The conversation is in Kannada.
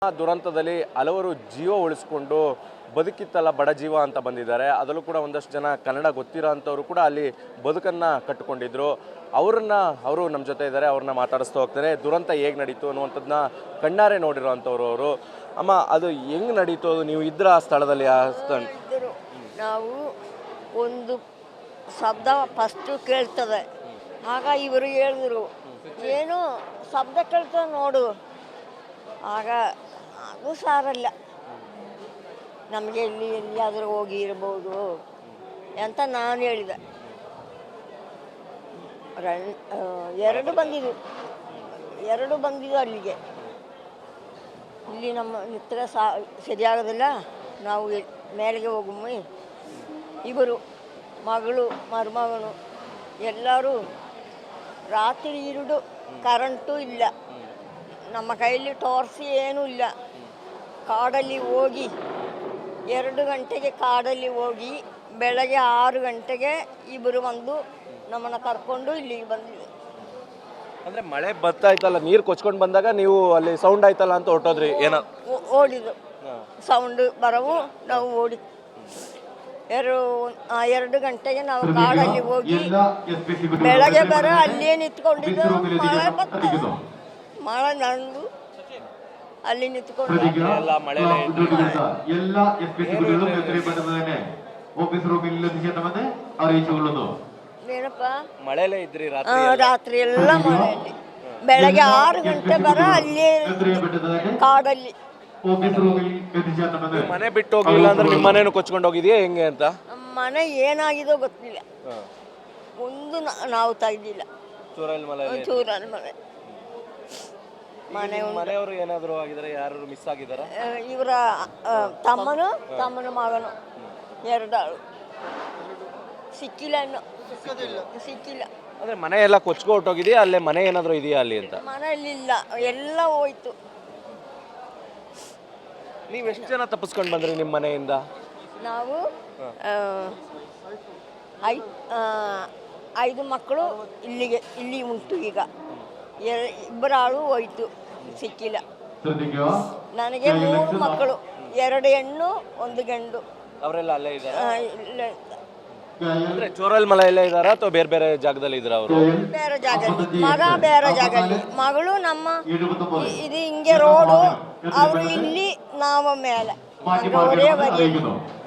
ಆ ದುರಂತದಲ್ಲಿ ಹಲವರು ಜೀವ ಉಳಿಸ್ಕೊಂಡು ಬದುಕಿತ್ತಲ್ಲ ಬಡ ಜೀವ ಅಂತ ಬಂದಿದ್ದಾರೆ. ಅದರಲ್ಲೂ ಕೂಡ ಒಂದಷ್ಟು ಜನ ಕನ್ನಡ ಗೊತ್ತಿರೋ ಅಂಥವ್ರು ಕೂಡ ಅಲ್ಲಿ ಬದುಕನ್ನು ಕಟ್ಟಿಕೊಂಡಿದ್ರು. ಅವರು ನಮ್ಮ ಜೊತೆ ಇದ್ದಾರೆ. ಅವ್ರನ್ನ ಮಾತಾಡಿಸ್ತಾ ಹೋಗ್ತಾರೆ. ದುರಂತ ಹೇಗೆ ನಡೀತು ಅನ್ನುವಂಥದ್ದನ್ನ ಕಣ್ಣಾರೆ ನೋಡಿರೋ ಅಂಥವ್ರು ಅವರು. ಅಮ್ಮ, ಅದು ಹೆಂಗೆ ನಡೀತು? ನೀವು ಇದ್ರ ಆ ಸ್ಥಳದಲ್ಲಿ? ನಾವು ಒಂದು ಶಬ್ದ ಫಸ್ಟು ಕೇಳ್ತದೆ. ಆಗ ಇವರು ಹೇಳಿದ್ರು, ಏನು ಶಬ್ದ ಕೇಳ್ತದೆ ನೋಡು. ಆಗ ಅದು ಸಾರಲ್ಲ, ನಮಗೆ ಎಲ್ಲಿಯಾದರೂ ಹೋಗಿ ಇರ್ಬೋದು ಅಂತ ನಾನು ಹೇಳಿದೆ. ಎರಡು ಬಂದಿದ್ದು ಅಲ್ಲಿಗೆ. ಇಲ್ಲಿ ನಮ್ಮ ನಿತ್ರ ಸರಿಯಾಗೋದಿಲ್ಲ, ನಾವು ಮೇಲೆಗೆ ಹೋಗುಮ್ಮಿ. ಇವರು ಮಗಳು ಮರುಮಗನು ಎಲ್ಲರೂ ರಾತ್ರಿ ಇರುಡು ಕರೆಂಟು ಇಲ್ಲ, ನಮ್ಮ ಕೈಯಲ್ಲಿ ಟಾರ್ಚ್ ಏನೂ ಇಲ್ಲ. ಕಾಡಲ್ಲಿ ಹೋಗಿ 2 ಗಂಟೆಗೆ ಕಾಡಲ್ಲಿ ಹೋಗಿ ಬೆಳಗ್ಗೆ 6 ಗಂಟೆಗೆ ಇಬ್ಬರು ಬಂದು ನಮ್ಮನ್ನು ಕರ್ಕೊಂಡು ಇಲ್ಲಿಗೆ ಬಂದಿದೆ. ಅಂದರೆ ಮಳೆ ಬರ್ತಾಯ್ತಲ್ಲ, ನೀರು ಕೊಚ್ಕೊಂಡು ಬಂದಾಗ ನೀವು ಅಲ್ಲಿ ಸೌಂಡ್ ಆಯ್ತಲ್ಲ ಅಂತ ಹೊರಟೋದ್ರಿ? ಏನೋ ಓಡಿದ್ದು ಸೌಂಡ್ ಬರವು ನಾವು ಓಡಿ 2 ಗಂಟೆಗೆ ನಾವು ಕಾಡಲ್ಲಿ ಹೋಗಿ ಬೆಳಗ್ಗೆ ಅಲ್ಲಿಯೇ ನಿಂತ್ಕೊಂಡಿದ್ದು. ಮಳೆ ಬರ್ತದೆ, ಮಳೆ ನಂದು ಅಲ್ಲಿ ನಿಂತ್ಕೊಂಡು ಏನಪ್ಪ ಮಳೆಲೇ ಇದ್ರಿ ರಾತ್ರಿ ಎಲ್ಲ ಮಳೆಯಲ್ಲಿ. ಬೆಳಗ್ಗೆ 6 ಗಂಟೆ ಅಲ್ಲಿ ಕಾಡಲ್ಲಿ. ಮನೆ ಬಿಟ್ಟು ಹೋಗಿಲ್ಲ ಅಂದ್ರೆ ನಿಮ್ಮ ಮನೇನು ಕೊಚ್ಕೊಂಡು ಹೋಗಿದೆಯಾ ಹೆಂಗೆ ಅಂತ? ಮನೆ ಏನಾಗಿದೋ ಗೊತ್ತಿಲ್ಲ, ಒಂದು ನಾವು ತೆಗ್ದಿಲ್ಲ. ಚೂರಲ್ಲಿ ಮನೆ ಮನೆಯವರು ಏನಾದ್ರು ಆಗಿದ್ದಾರೆ? ಯಾರು ಮಿಸ್ ಆಗಿದಾರ? ಇವರ ತಮ್ಮನ ಮಗನು 2 ಆಳು ಸಿಕ್ಕಿಲ್ಲ, ಸಿಕ್ಕಿಲ್ಲ. ಅಂದ್ರೆ ಮನೆ ಎಲ್ಲ ಕೊಚ್ಕೊ ಹೊಟ್ಟೋಗಿದೆಯಾ? ಅಲ್ಲೇ ಮನೆ ಏನಾದ್ರು ಇದೆಯಾ ಅಲ್ಲಿ ಅಂತ? ಮನೆಯಲ್ಲಿಲ್ಲ, ಎಲ್ಲ ಹೋಯ್ತು. ನೀವು ಎಷ್ಟು ಜನ ತಪ್ಪಿಸ್ಕೊಂಡು ಬಂದ್ರಿ ನಿಮ್ಮ ಮನೆಯಿಂದ? ನಾವು 5 ಮಕ್ಕಳು ಇಲ್ಲಿ ಉಂಟು. ಈಗ 2 ಆಳು ಹೋಯ್ತು, ಸಿಕ್ಕಿಲ್ಲ. ನನಗೆ 3 ಮಕ್ಕಳು, 2 ಹೆಣ್ಣು 1 ಗಂಡು. ಅವರೆಲ್ಲ ಅಲ್ಲೇ ಇದ್ದಾರೆ? ಅಂದ್ರೆ ಚೋರಲ್ ಮಲೆ ಎಲ್ಲ ಇದಾರ ಅಥವಾ ಬೇರೆ ಬೇರೆ ಜಾಗದಲ್ಲಿ ಇದ್ರ? ಅವರು ಬೇರೆ ಜಾಗದಲ್ಲಿ, ಮಗ ಬೇರೆ ಜಾಗದಲ್ಲಿ, ಮಗಳು ನಮ್ಮ ಇದು ಹಿಂಗೆ ರೋಡು, ಅವರು ಇಲ್ಲಿ, ನಾವು ಮೇಲೆ.